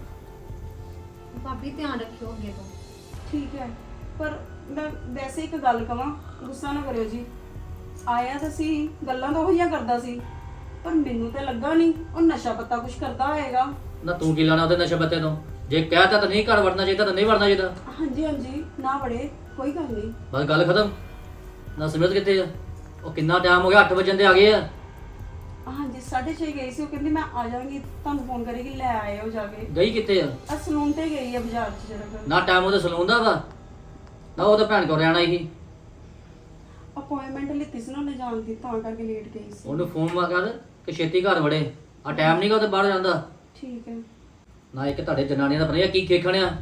S6: ਭਾਬੀ ਧਿਆਨ ਰੱਖਿਓ ਅੱਗੇ ਤੋਂ।
S3: ਠੀਕ ਹੈ, ਪਰ ਮੈਂ ਵੈਸੇ ਇੱਕ ਗੱਲ ਕਵਾਂ, ਗੁੱਸਾ ਨਾ ਕਰਿਓ ਜੀ। ਆਇਆ ਤਾਂ ਸੀ, ਗੱਲਾਂ ਤਾਂ ਉਹ ਜਿਹੀਆਂ ਕਰਦਾ ਸੀ, ਪਰ ਮੈਨੂੰ ਤਾਂ ਲੱਗਾ ਨਹੀਂ ਉਹ ਨਸ਼ਾ ਪੱਤਾ ਕੁਝ ਕਰਦਾ ਹੋਏਗਾ।
S5: ਨਾ ਤੂੰ ਕੀ ਲਾਣਾ ਉਹਦੇ ਨਸ਼ੇ ਪੱਤੇ ਤੋਂ? ਜੇ ਕਹਿਤਾ ਤਾਂ ਨਹੀਂ ਘਰ ਵੜਨਾ ਚਾਹੀਦਾ ਤਾਂ ਨਹੀਂ ਵੜਨਾ ਚਾਹੀਦਾ।
S3: ਹਾਂਜੀ ਹਾਂਜੀ, ਨਾ ਬੜੇ, ਕੋਈ ਗੱਲ ਨਹੀਂ।
S5: ਬਸ ਗੱਲ ਖਤਮ। ਨਾ ਸਿਮਰਤ ਕਿੱਥੇ ਆ? ਉਹ ਕਿੰਨਾ ਟਾਈਮ ਹੋ ਗਿਆ, 8 ਵਜੇ ਦੇ ਆ ਗਏ ਆ।
S3: ਹਾਂਜੀ 6:30 ਗਈ ਸੀ, ਉਹ ਕਹਿੰਦੀ ਮੈਂ ਆ ਜਾਵਾਂਗੀ, ਤੁਹਾਨੂੰ ਫੋਨ ਕਰੇਗੀ, ਲੈ ਆਇਓ ਜਾ ਕੇ।
S5: ਗਈ ਕਿੱਥੇ ਆ?
S3: ਆ ਸਲੂਨ ਤੇ ਗਈ ਆ ਬਾਜ਼ਾਰ 'ਚ ਜਰਾ।
S5: ਨਾ ਟਾਈਮ ਉਹਦੇ ਸਲੂਨ ਦਾ ਵਾ, ਨਾ ਉਹ ਤਾਂ ਭੈਣ ਕੋਲ ਰਹਿਣਾ ਹੀ।
S3: ਅਪਾਇੰਟਮੈਂਟ ਲਿੱਤੀ ਸੀ ਨਾ ਉਹਨੇ ਜਾਣ ਦੀ, ਤਾਂ ਕਰਕੇ ਲੇਟ ਗਈ ਸੀ।
S5: ਉਹਨੂੰ ਫੋਨ ਕਰ ਕਿ ਛੇਤੀ ਘਰ ਵੜੇ, ਆ ਟਾਈਮ ਨਹੀਂਗਾ ਉਹਦੇ ਬਾਹਰ ਜਾਂਦਾ।
S3: ਠੀਕ ਹੈ।
S5: ਨਾ ਇੱਕ ਤੁਹਾਡੇ ਜਨਾਨੀਆਂ ਦਾ ਪਤਾ ਕੀ ਖੇਖਣ ਆ।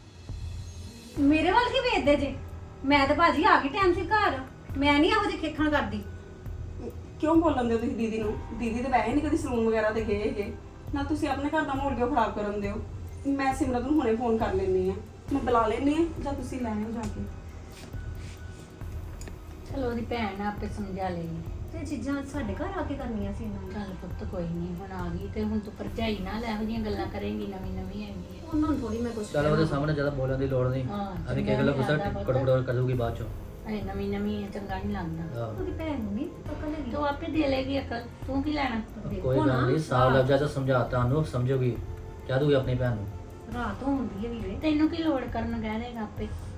S6: ਮੇਰੇ ਵੱਲ ਕੀ ਵੇਖਦੇ ਜੇ? ਮੈਂ ਤਾਂ ਭਾਜੀ ਆ ਗਈ ਟਾਈਮ ਸਿਰ ਘਰ, ਮੈਂ ਨਹੀਂ ਇਹੋ ਜਿਹੀ ਖੇਖਣ ਕਰਦੀ।
S3: ਕਿਉਂ ਬੋਲਣ ਦੇ ਤੁਸੀਂ ਦੀਦੀ ਨੂੰ? ਦੀਦੀ ਤਾਂ ਵੈਸੇ ਨਹੀਂ ਕਦੀ ਸਲੂਨ ਵਗੈਰਾ ਤੇ ਗਏ ਹੈਗੇ ਨਾ, ਤੁਸੀਂ ਆਪਣੇ ਘਰ ਦਾ ਮਾਹੌਲ ਕਿਉਂ ਖਰਾਬ ਕਰਨ ਦਿਓ? ਮੈਂ ਸਿਮਰਤ ਨੂੰ ਹੁਣੇ ਫੋਨ ਕਰ ਲੈਣੀ ਆ, ਮੈਂ ਬੁਲਾ ਲੈਣੀ ਆ, ਜਾਂ ਤੁਸੀਂ ਲੈ ਆਓ ਜਾ ਕੇ।
S4: ਚਲੋ ਉਹਦੀ ਭੈਣ ਆਪੇ ਸਮਝਾ ਲੇਗੀ।
S6: ਤੇ ਚੀਜ਼ਾਂ ਸਾਡੇ ਘਰ ਆ ਕੇ ਕਰਨੀਆਂ ਸੀ ਇਹਨਾਂ ਨੇ।
S4: ਚੱਲ ਪੁੱਤ ਕੋਈ ਨਹੀਂ, ਹੁਣ ਆ ਗਈ ਤੇ ਹੁਣ ਤੂੰ ਭਰਜਾਈ ਨਾਲ ਇਹੋ ਜਿਹੀਆਂ ਗੱਲਾਂ ਕਰੇਂਗੀ, ਨਵੀਂ ਨਵੀਂ ਹੈਗੀ ਹੈ।
S6: ਉਹਨਾਂ ਨੂੰ ਥੋੜੀ ਮੈਂ ਕੁਝ
S5: ਚੱਲ ਉਹਦੇ ਸਾਹਮਣੇ ਜ਼ਿਆਦਾ ਬੋਲਣ ਦੀ ਲੋੜ ਨਹੀਂ।
S4: ਹਾਂ,
S5: ਅਭੀ ਕੀ ਗੱਲ ਗੁੱਸਾ ਕੜਕੜ ਕਰੂਗੀ ਬਾਅਦ ਚੋਂ।
S4: ਅਰੇ ਨਵੀਂ ਨਵੀਂ ਚੰਗਾ ਨਹੀਂ ਲੱਗਦਾ।
S5: ਆਹ,
S6: ਉਹਦੀ ਭੈਣ ਨੂੰ ਨਹੀਂ ਅਕਲ ਹੈਗੀ।
S4: ਤੂੰ ਆਪੇ ਦੇ ਲੇਗੀ ਅਕਲ, ਤੂੰ ਕੀ ਲੈਣਾ?
S5: ਕੋਈ ਗੱਲ ਨਹੀਂ, ਸਾਫ ਲਫ਼ਜ਼ਾਂ 'ਚ ਸਮਝਾਤਾ ਉਹਨੂੰ, ਸਮਝੋਗੀ, ਕਹਿ ਦੂਗੀ ਆਪਣੀ ਭੈਣ ਨੂੰ।
S6: ਰਾਤ ਹੁੰਦੀ ਹੈ ਵੀਰੇ।
S4: ਤੈਨੂੰ ਕੀ ਲੋੜ ਕਰਨ ਕਹਿ ਦੇਗਾ ਆਪੇ।